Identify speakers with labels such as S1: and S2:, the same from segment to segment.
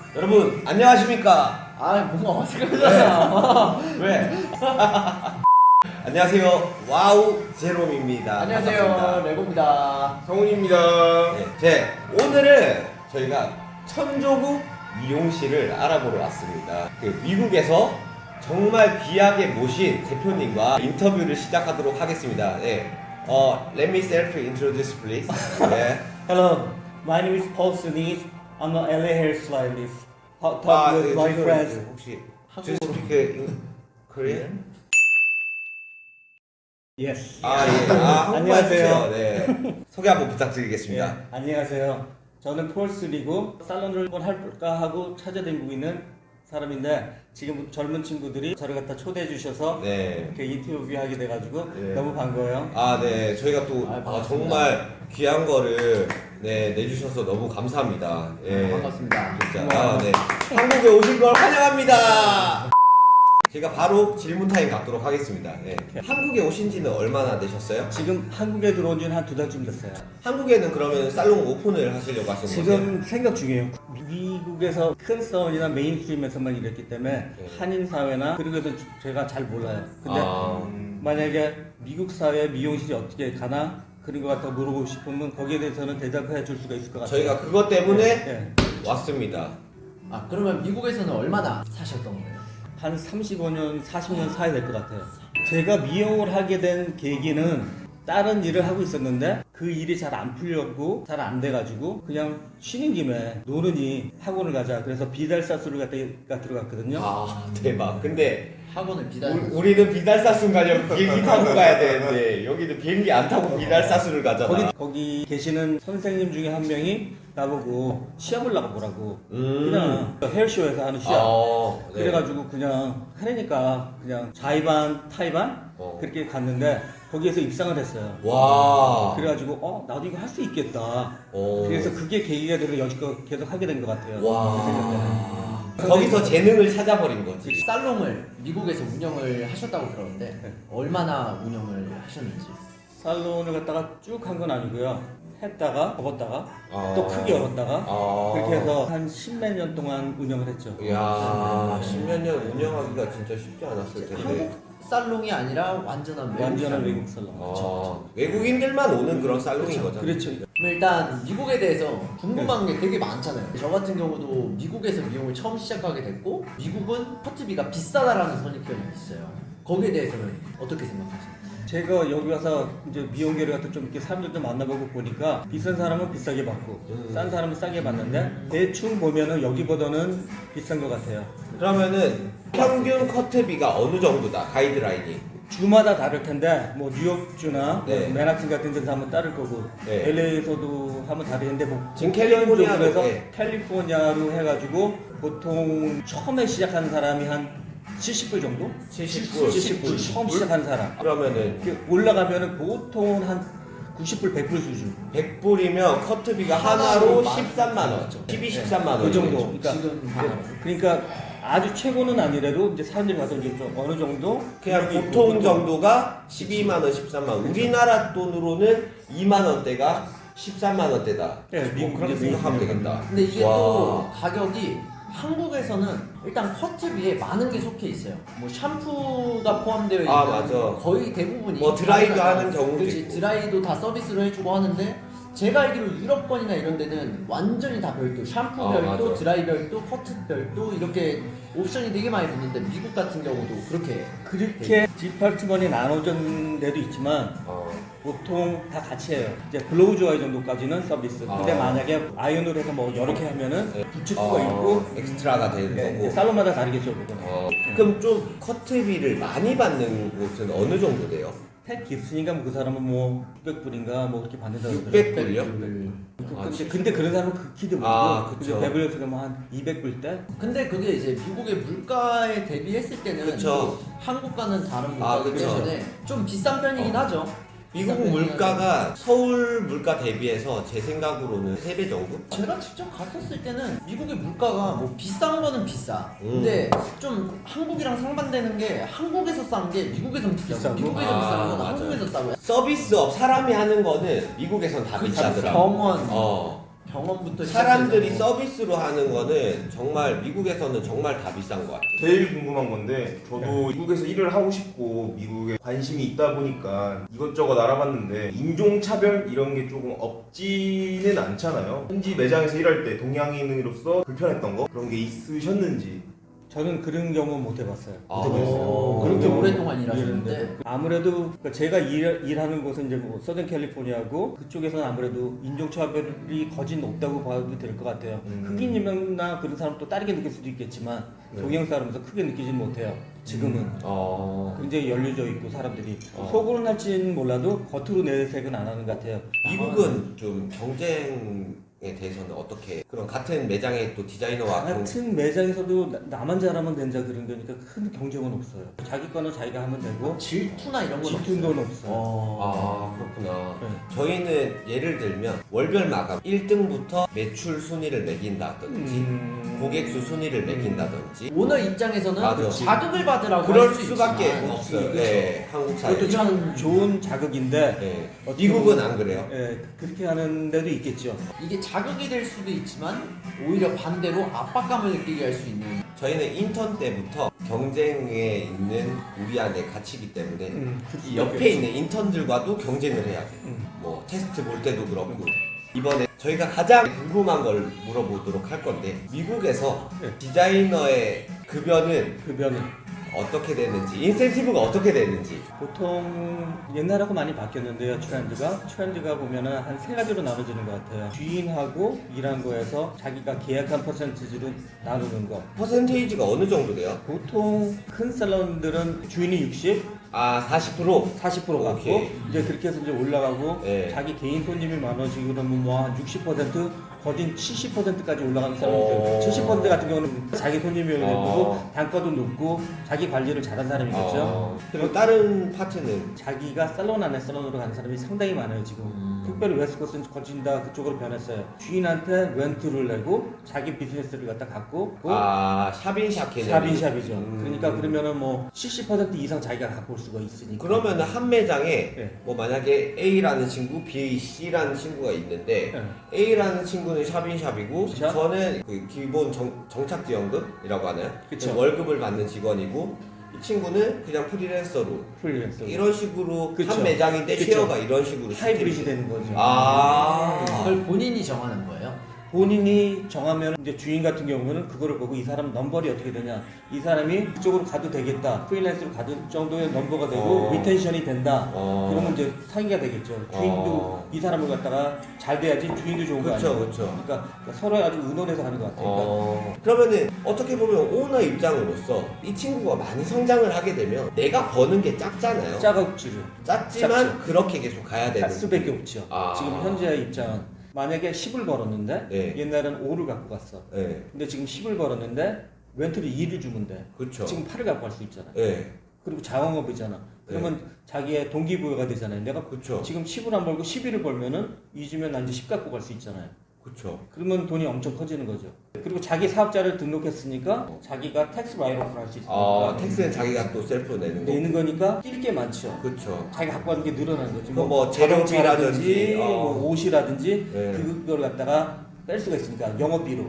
S1: 여러분 안녕하십니까?
S2: 아 뭔가 어색하잖아.
S1: 왜? 안녕하세요. 와우 제롬입니다.
S2: 안녕하세요.
S1: 반갑습니다.
S2: 레고입니다.
S3: 성훈입니다.
S1: 네, 오늘은 저희가 천조국 미용실을 알아보러 왔습니다. 미국에서 정말 귀하게 모신 대표님과 인터뷰를 시작하도록 하겠습니다. 네. Let me self introduce please. 네.
S4: Hello, my name is Paul Sunnis. I'm an LA hairstylist. Talk with my
S1: 지금
S4: friends.
S1: 혹시 Do you speak Korean?
S4: Yes.
S1: 예. 한국말
S4: 안녕하세요.
S1: 해주세요. 네. 소개 한번 부탁드리겠습니다.
S4: 예, 안녕하세요. 저는 폴 순이고 살론을 한번 할까 하고 찾아다니고 있는 사람인데 지금 젊은 친구들이 저를 갖다 초대해 주셔서
S1: 네.
S4: 이렇게 인터뷰하게 돼가지고
S1: 네.
S4: 너무 반가워요.
S1: 네. 저희가 또
S2: 반갑습니다.
S1: 정말 귀한 거를 내주셔서 너무 감사합니다. 예.
S2: 반갑습니다.
S1: 진짜. 네. 한국에 오신 걸 환영합니다. 제가 바로 질문 타임 갖도록 하겠습니다. 네. 한국에 오신 지는 얼마나 되셨어요?
S4: 지금 한국에 들어온 지는 한 2달쯤 됐어요.
S1: 한국에는 그러면 살롱 오픈을 하시려고 하신 거세요?
S4: 지금 생각 중이에요. 미국에서 큰 사원이나 메인스트림에서만 일했기 때문에
S1: 네.
S4: 한인 사회나 그리고 해서 제가 잘 몰라요. 근데 만약에 미국 사회 미용실이 어떻게 가나 그런 것 같아 물어보고 싶으면 거기에 대해서는 대답해 줄 수가 있을 것 같아요.
S1: 저희가 그것 때문에
S4: 네.
S1: 왔습니다.
S2: 아 그러면 미국에서는 얼마나 사셨던 거예요?
S4: 한 35년, 40년 사이 될 것 같아요. 제가 미용을 하게 된 계기는 다른 일을 하고 있었는데 그 일이 잘 안 풀렸고 잘 안 돼가지고 그냥 쉬는 김에 노느니 학원을 가자. 그래서 비달사수를 갖다 들어갔거든요.
S1: 대박. 근데
S2: 학원을 비단.
S1: 우리는 비달사순 가려면 비행기 타고 가야 되는데 여기는 비행기 안 타고 비달사순을 가잖아.
S4: 거기 계시는 선생님 중에 한 명이 나보고 시합을 나가보라고 그냥 헤어쇼에서 하는 시합
S1: 네.
S4: 그래가지고 그냥 하려니까 그냥 자의반 타의반 그렇게 갔는데 거기에서 입상을 했어요.
S1: 와.
S4: 그래가지고 나도 이거 할 수 있겠다.
S1: 오.
S4: 그래서 그게 계기가 돼서 여지껏 계속 하게 된 것 같아요. 제 생각에는.
S1: 거기서 재능을 찾아버린 거지.
S2: 살롱을 미국에서 운영을 하셨다고 들었는데
S4: 네.
S2: 얼마나 운영을 하셨는지.
S4: 살론을 갖다가 쭉 한 건 아니고요. 했다가 접었다가
S1: 아.
S4: 또 크게 열었다가
S1: 아.
S4: 그렇게 해서 한 10몇 년 동안 운영을 했죠.
S1: 이야, 10몇 년 운영하기가 진짜 쉽지 않았을 텐데.
S2: 한국 살롱이 아니라 완전한 외국
S4: 완전한
S2: 살롱.
S4: 외국 살론.
S1: 외국인들만 오는 그런 살롱인 거잖아.
S4: 그렇죠.
S2: 그럼 일단 미국에 대해서 궁금한 게 되게 많잖아요. 저 같은 경우도 미국에서 미용을 처음 시작하게 됐고 미국은 커트비가 비싸다라는 선입견이 있어요. 거기에 대해서는 어떻게 생각하세요?
S4: 제가 여기 와서 이제 미용계를 갖다 좀 이렇게 사람들도 만나보고 보니까 비싼 사람은 비싸게 받고 싼 사람은 싸게 받는데 대충 보면은 여기보다는 비싼 것 같아요.
S1: 그러면은 평균 커트비가 어느 정도다, 가이드라인이?
S4: 주마다 다를 텐데 뭐 뉴욕주나
S1: 네.
S4: 뭐 맨하튼 같은 데서 하면 다를 거고
S1: 네.
S4: LA에서도 하면 다르는데 뭐
S1: 지금 캘리포니아로,
S4: 그래서
S1: 네.
S4: 캘리포니아로 해가지고 보통 처음에 시작하는 사람이 한 70불 정도?
S1: 70불.
S4: 70불 처음 시작하는 사람
S1: 그러면은
S4: 이렇게 올라가면은 보통 한 90불 100불 수준
S1: 100불이면 커트비가 하나로 13만 원. 12, 13만 원.
S4: 그 정도. 그러니까,
S2: 지금
S4: 그러니까 아주 최고는 아니래도 이제 사람들이 가서 이제 좀 어느 정도
S1: 그냥 보통 정도가 12만 원, 13만 원. 우리나라 돈으로는 2만 원대가 13만 원대다.
S4: 네, 미국
S1: 그렇게
S4: 이제
S1: 생각하면 되겠다.
S2: 근데 이게
S1: 와.
S2: 또 가격이 한국에서는 일단 커트비에 많은 게 속해 있어요. 뭐 샴푸가 포함되어 있는
S1: 맞아.
S2: 거의 대부분이
S1: 뭐 드라이도
S2: 다르잖아요.
S1: 하는 경우도
S2: 그렇지,
S1: 있고.
S2: 드라이도 다 서비스로 해주고 하는데 제가 알기로 유럽권이나 이런 데는 완전히 다 별도 샴푸 별도,
S1: 맞아.
S2: 드라이 별도, 커트 별도 이렇게 옵션이 되게 많이 붙는데 미국 같은 경우도 그렇게
S4: 그렇게 디파트먼이 나눠진 데도 있지만 보통 다 같이 해요. 이제 블로우 드라이 정도까지는 서비스. 근데 만약에 아이언으로 해서 뭐 여러 개 하면은 붙일 수가 있고
S1: 엑스트라가 되는
S4: 네,
S1: 거고.
S4: 이제 살론마다 다르겠죠, 그거는.
S1: 그럼 좀 커트비를 많이 받는 곳은 어느 정도 돼요?
S4: 택 있으니까 뭐 그 사람은 뭐 600불인가 뭐 그렇게 받는다고 그러더라고요.
S1: 600불요?
S4: 근데 그런 사람은 극히도
S1: 그쵸.
S4: 모르고 베벌리에서 그러면 한 200불 대?
S2: 근데 그게 이제 미국의 물가에 대비했을 때는
S1: 그쵸.
S2: 또 한국과는 다른 물가이기
S1: 그쵸.
S2: 때문에 좀 비싼 편이긴 하죠.
S1: 미국
S2: 비싼 편이긴
S1: 물가가 서울 물가 대비해서 제 생각으로는 3배 정도?
S2: 제가 직접 갔었을 때는 미국의 물가가 뭐 비싼 거는 비싸. 근데 좀 한국이랑 상반되는 게 한국에서 싼 게 미국에선 비싸고
S4: 비싸고?
S2: 미국에서 비싼 거는
S1: 맞아요.
S2: 한국에서 싸고.
S1: 서비스업 사람이 하는 거는 미국에선 다 비싸더라.
S2: 병원, 병원부터
S1: 사람들이
S2: 시작해서
S1: 서비스로 하는 거는 정말 미국에서는 정말 다 비싼 것 같아요.
S3: 제일 궁금한 건데 저도 미국에서 일을 하고 싶고 미국에 관심이 있다 보니까 이것저것 알아봤는데 인종차별 이런 게 조금 없지는 않잖아요. 현지 매장에서 일할 때 동양인으로서 불편했던 거 그런 게 있으셨는지.
S4: 저는 그런 경우는 못 해봤어요.
S1: 아,
S2: 그렇게
S1: 오.
S2: 오랫동안 일하셨는데
S4: 일했는데 아무래도 그러니까 제가 일하는 곳은 이제 뭐 서든 캘리포니아고 그쪽에서는 아무래도 인종차별이 거진 높다고 봐도 될 것 같아요. 흑인이나 그런 사람 또 다르게 느낄 수도 있겠지만
S1: 네.
S4: 동양 사람에서 크게 느끼진 못해요. 지금은 굉장히 열려져 있고 사람들이 속으로는 할지는 몰라도 겉으로 내색은 안 하는 것 같아요.
S1: 미국은 좀 경쟁에 대해서는 어떻게 그런 같은 매장에 또 디자이너와
S4: 같은 매장에서도 나만 잘하면 된다 그런 거니까 큰 경쟁은 없어요. 자기 거는 자기가 하면 되고
S2: 질투나 이런 건
S4: 질투는 없어요.
S1: 아 그렇구나.
S4: 네.
S1: 저희는 예를 들면 월별 마감 1등부터 매출 순위를 매긴다든지 고객 수 순위를 매긴다든지
S2: 오너 입장에서는
S1: 맞아.
S2: 자극을 받으라고
S1: 그럴
S2: 할 수
S1: 수밖에
S2: 있지만
S1: 없어요.
S4: 그렇죠.
S1: 네, 한국 사회.
S4: 그것도 참 좋은 자극인데
S1: 네.
S4: 어떻게
S1: 미국은
S4: 보면-
S1: 안 그래요.
S4: 그렇게 하는 데도 있겠죠.
S2: 이게 자극이 될 수도 있지만 오히려 반대로 압박감을 느끼게 할 수 있는
S1: 저희는 인턴 때부터 경쟁에 있는 우리 안에 갇히기 때문에 이 옆에 있는 인턴들과도 경쟁을 해야 돼. 뭐 테스트 볼 때도 그렇고. 이번에 저희가 가장 궁금한 걸 물어보도록 할 건데 미국에서
S4: 네.
S1: 디자이너의 급여는
S4: 급여는
S1: 어떻게 되는지 인센티브가 어떻게 되는지
S4: 보통 옛날하고 많이 바뀌었는데요. 트렌드가 보면은 한 세 가지로 나눠지는 것 같아요. 주인하고 일한 거에서 자기가 계약한 퍼센티지로 나누는 거.
S1: 퍼센테이지가 어느 정도 돼요?
S4: 보통 큰 살론들은 주인이 60,
S1: 아 40%?
S4: 40% 갖고
S1: 오케이.
S4: 이제 그렇게 해서 이제 올라가고
S1: 네.
S4: 자기 개인 손님이 많아지고 그러면 뭐 한 60% 거진 70%까지 올라가는 사람들 70% 같은 경우는 자기 손님이 되고 단가도 높고 자기 관리를 잘한 사람이겠죠.
S1: 그리고 다른 파트는
S4: 자기가 살론 안에 살론으로 가는 사람이 상당히 많아요 지금. 특별히 웨스코스는 거진 다 그쪽으로 변했어요. 주인한테 렌트를 내고 자기 비즈니스를 갖다 갖고
S1: 샵인샵 개념.
S4: 샵인샵이죠. 그러니까 그러면은 뭐 70% 이상 자기가 갖고 올 수가 있으니까.
S1: 그러면은 한 매장에
S4: 네.
S1: 뭐 만약에 A라는 친구, B, C라는 친구가 있는데
S4: 네.
S1: A라는 친구는 샵인샵이고
S4: 그쵸?
S1: 저는 그 기본 정착지원금이라고 하나요?
S4: 그쵸.
S1: 월급을 받는 직원이고 이 친구는 그냥 프리랜서로
S4: 프리랜서.
S1: 이런 식으로
S4: 그쵸.
S1: 한 매장인데
S4: 그쵸.
S1: 쉐어가 이런 식으로
S4: 하이브리드
S1: 시스템이
S4: 되는 거죠.
S2: 그걸 본인이 정하는 거예요.
S4: 본인이 정하면 이제 주인 같은 경우는 그거를 보고 이 사람 넘버리 어떻게 되냐, 이 사람이 그쪽으로 가도 되겠다, 프리랜서로 가도 정도의 넘버가 되고 리텐션이 된다. 그러면 이제 상의가 되겠죠. 주인도 이 사람을 갖다가 잘 돼야지 주인도 좋은 거
S1: 그쵸,
S4: 아니에요.
S1: 그쵸.
S4: 그러니까 서로 아주 의논해서 하는 것 같아요.
S1: 그러면은 어떻게 보면 오너 입장으로서 이 친구가 많이 성장을 하게 되면 내가 버는 게 작잖아요.
S4: 짜각지죠.
S1: 작지만
S4: 작죠.
S1: 그렇게 계속 가야 되는
S4: 할 수밖에 없죠.
S1: 아.
S4: 지금 현재의 입장은 만약에 10을 벌었는데
S1: 네.
S4: 옛날에는 5를 갖고 갔어.
S1: 네,
S4: 근데 지금 10을 벌었는데 렌트를 2를 주면 돼.
S1: 그렇죠.
S4: 지금 8을 갖고 갈 수 있잖아.
S1: 네,
S4: 그리고 자영업이잖아. 그러면 자기의 동기부여가 되잖아요. 내가
S1: 그렇죠.
S4: 지금 10을 안 벌고 11을 벌면은 2주면 난 이제 10 갖고 갈 수 있잖아요.
S1: 그렇죠.
S4: 그러면 돈이 엄청 커지는 거죠. 그리고 자기 사업자를 등록했으니까 자기가 텍스 라이트오프를 할 수 있으니까
S1: 텍스는 자기가 또 셀프로 내는 거.
S4: 내는 거니까 뛸 게 많죠.
S1: 그렇죠.
S4: 자기가 갖고 가는 게 늘어나는 거지.
S1: 뭐
S4: 자동차라든지
S1: 재료비라든지,
S4: 뭐 옷이라든지
S1: 네.
S4: 그걸 갖다가 뺄 수가 있으니까 영업비로.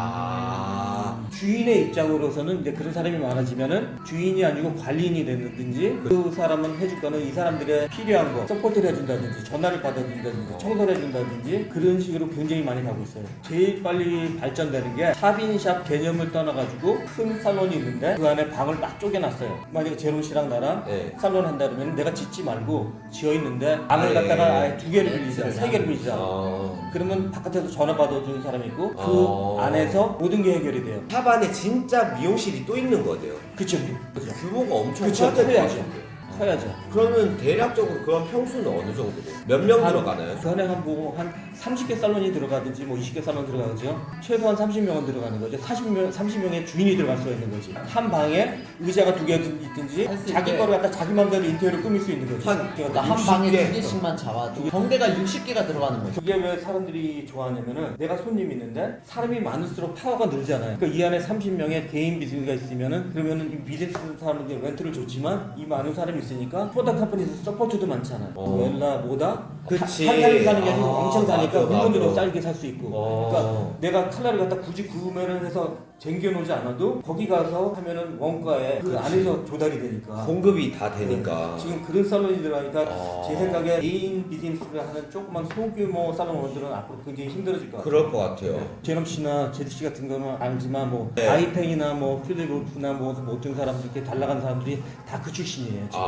S4: 주인의 입장으로서는 이제 그런 사람이 많아지면은 주인이 아니고 관리인이 됐든지 그 사람은 해줄 거는 이 사람들의 필요한 거 서포트를 해준다든지 전화를 받아준다든지 청소를 해준다든지 그런 식으로 굉장히 많이 가고 있어요. 제일 빨리 발전되는 게 샵인샵 개념을 떠나가지고 큰 살론이 있는데 그 안에 방을 막 쪼개놨어요. 만약에 제롬 씨랑 나랑
S1: 네.
S4: 살론 한다 그러면 내가 짓지 말고 지어있는데 방을 갖다가 아예 2개를 빌리자, 3개를 빌리자. 그러면 바깥에서 전화 받아주는 사람이 있고 그 안에서 모든 게 해결이 돼요.
S1: 샵 안에 진짜 미용실이 또 있는 거예요.
S4: 그쵸.
S1: 규모가 엄청
S4: 그쵸,
S1: 커야 될것
S4: 커야죠.
S1: 같은데.
S4: 커야죠.
S1: 그러면 대략적으로 그런 평수는 어느 정도 돼요? 몇 명 들어가나요?
S4: 그 안에 한 30개 살론이 들어가든지 뭐 20개 살론 들어가죠. 최소한 30명은 들어가는 거죠. 30명의 주인이 들어갈 수가 있는 거지. 한 방에 의자가 2개 있든지
S2: 할수
S4: 자기
S2: 있게.
S4: 거를 갖다 자기 마음대로 인테리어를 꾸밀 수 있는 거죠.
S2: 그러니까 한 방에 2개씩만 잡아도 경대가 60개가 들어가는 거죠.
S4: 그게 왜 사람들이 좋아하냐면은 내가 손님이 있는데 사람이 많을수록 파워가 늘잖아요. 그러니까 이 안에 30명의 개인 비즈니스가 있으면은 그러면은 이 비즈니스 사람들이 렌트를 줬지만 이 많은 사람이 있으니까 프로덕트 컴퍼니에서 서포트도 많잖아요. 웰라 뭐다?
S1: 그치.
S4: 한 살이 사는 게 아니고 왕창 사니까
S1: 맞아,
S4: 물건도
S1: 맞아.
S4: 싸게 살 수 있고. 그러니까 내가 칼라를 갖다 굳이 구매를 해서 쟁겨놓지 않아도 거기 가서 하면은 원가에 그 안에서 조달이 되니까.
S1: 공급이 다 되니까.
S4: 지금 그런 살론이 들어가니까 제 생각에 개인 비즈니스를 하는 조그만 소규모 살론 원들은 앞으로 굉장히 힘들어질 것 같아요.
S1: 그럴 것 같아요.
S4: 제롬 씨나 제드 씨 같은 거는 알지만 뭐
S1: 네.
S4: 아이팽이나 뭐 필립 울프나 뭐 어떤 사람들 이렇게 잘 나간 사람들이 다 그 출신이에요. 지금.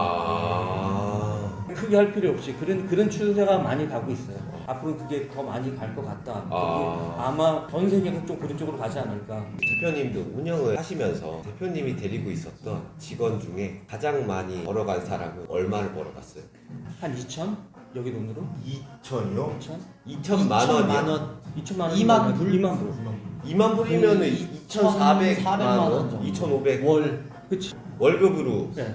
S4: 크게 할 필요 없이 그런 추세가 많이 가고 있어요. 앞으로 그게 더 많이 갈 것 같다. 아마 전 세계가 좀 그런 쪽으로 가지 않을까.
S1: 대표님도 운영을 하시면서 대표님이 데리고 있었던 직원 중에 가장 많이 벌어간 사람은 얼마를 벌어갔어요?
S4: 한 2천? 여기 돈으로?
S3: 2천이요?
S4: 2천?
S1: 2천만 원이요?
S4: 2천만 원?
S2: 2만 불?
S4: 2만 불.
S1: 2만 불이면은 2,400만
S2: 400만 원
S1: 원?
S2: 정도.
S1: 2,500
S2: 월.
S4: 그치.
S1: 월급으로.
S4: 네.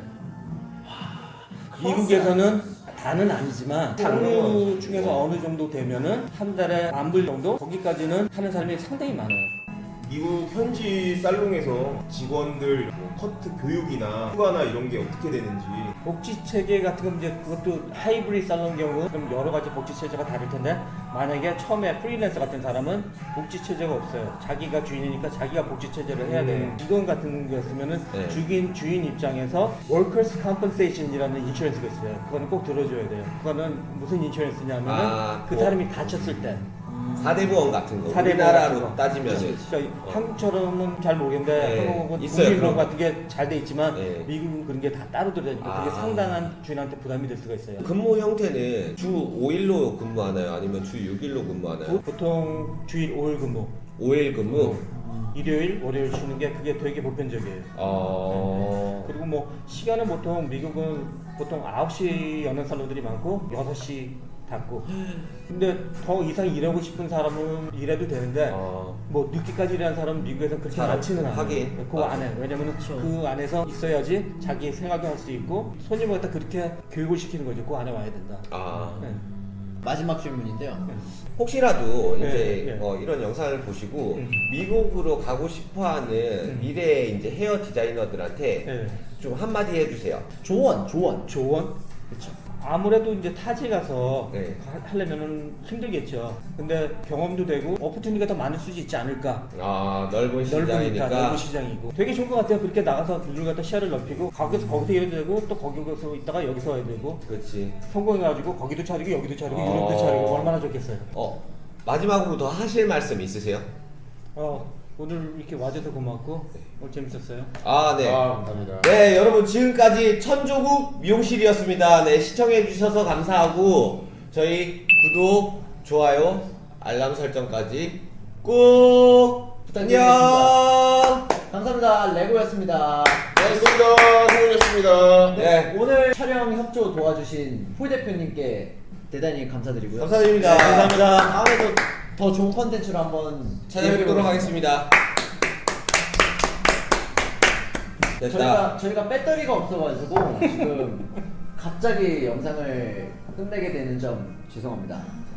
S4: 미국에서는 다는 아니지만 상류 중에서 어느 정도 되면은 한 달에 10,000불 정도? 거기까지는 하는 사람이 상당히 많아요.
S3: 미국 현지 살롱에서 직원들 뭐 커트 교육이나 휴가나 이런 게 어떻게 되는지
S4: 복지 체계 같은 건 이제 그것도 하이브리드 살롱 경우 좀 여러 가지 복지 체제가 다를 텐데 만약에 처음에 프리랜서 같은 사람은 복지 체제가 없어요. 자기가 주인이니까 자기가 복지 체제를 해야 돼요. 직원 같은 거였으면은
S1: 네.
S4: 주인 입장에서 Workers Compensation이라는 인슈런스가 있어요. 그거는 꼭 들어줘야 돼요. 그거는 무슨 인슈런스냐면은 그
S1: 뭐
S4: 사람이 다쳤을 때
S1: 4대 보험 같은 거.
S4: 사대
S1: 우리나라로
S4: 보험 같은 거.
S1: 따지면은
S4: 그러니까 한국처럼은 잘 모르겠는데
S1: 네,
S4: 한국은
S1: 있어요,
S4: 국민보험
S1: 그런
S4: 같은 게 잘 돼 있지만
S1: 네.
S4: 미국은 그런 게 다 따로 들어가니까 그게 상당한 주인한테 부담이 될 수가 있어요.
S1: 근무 형태는 주 5일로 근무하나요? 아니면 주 6일로 근무하나요?
S4: 보통 주일 5일 근무,
S1: 5일 근무?
S4: 일요일, 월요일 쉬는 게 그게 되게 보편적이에요. 그리고 뭐 시간은 보통 미국은 보통 9시 여는 살롱들이 많고 6시 닫고. 근데 더 이상 일하고 싶은 사람은 일해도 되는데 뭐 늦게까지 일하는 사람은 미국에서 그렇게
S1: 사람,
S4: 많지는 않아요.
S1: 하긴.
S4: 그 안에 왜냐면은 그 안에서 있어야지 자기 생활도 할 수 있고 손님을 갖다 그렇게 교육을 시키는 거죠. 그 안에 와야 된다. 네.
S2: 마지막 질문인데요.
S1: 혹시라도
S4: 네,
S1: 이제
S4: 네.
S1: 이런 영상을 보시고 미국으로 가고 싶어하는 미래 이제 헤어 디자이너들한테
S4: 네.
S1: 좀 한마디 해주세요.
S2: 조언.
S4: 조언?
S2: 그렇죠.
S4: 아무래도 이제 타지 가서
S1: 네.
S4: 하려면은 힘들겠죠. 근데 경험도 되고 오퍼튜니티가 더 많을 수 있지 않을까.
S1: 넓은
S4: 넓으니까
S1: 시장이니까.
S4: 넓은 시장이고 되게 좋은 것 같아요. 그렇게 나가서 둘 갖다 시야를 넓히고 거기서 일해도 되고 또 거기서 있다가 여기서 해야 되고
S1: 그렇지.
S4: 성공해가지고 거기도 차리고 여기도 차리고
S1: 어.
S4: 유럽도 차리고 얼마나 좋겠어요.
S1: 마지막으로 더 하실 말씀 있으세요?
S4: 오늘 이렇게 와줘서 고맙고 오늘 재밌었어요.
S1: 네.
S3: 감사합니다.
S1: 네, 여러분 지금까지 천조국 미용실이었습니다. 네, 시청해 주셔서 감사하고 저희 구독, 좋아요, 알람 설정까지 꼭
S2: 부탁드리겠습니다. 감사합니다. 레고였습니다.
S3: 고맙습니다. 성훈이었습니다.
S1: 네,
S2: 오늘 촬영 협조 도와주신 폴 대표님께 대단히 감사드리고요.
S1: 감사드립니다.
S2: 네,
S1: 감사합니다.
S2: 다음에도 더 좋은 컨텐츠로 한번
S1: 찾아뵙도록 하겠습니다. 됐다.
S2: 저희가 배터리가 없어가지고 지금 갑자기 영상을 끝내게 되는 점 죄송합니다.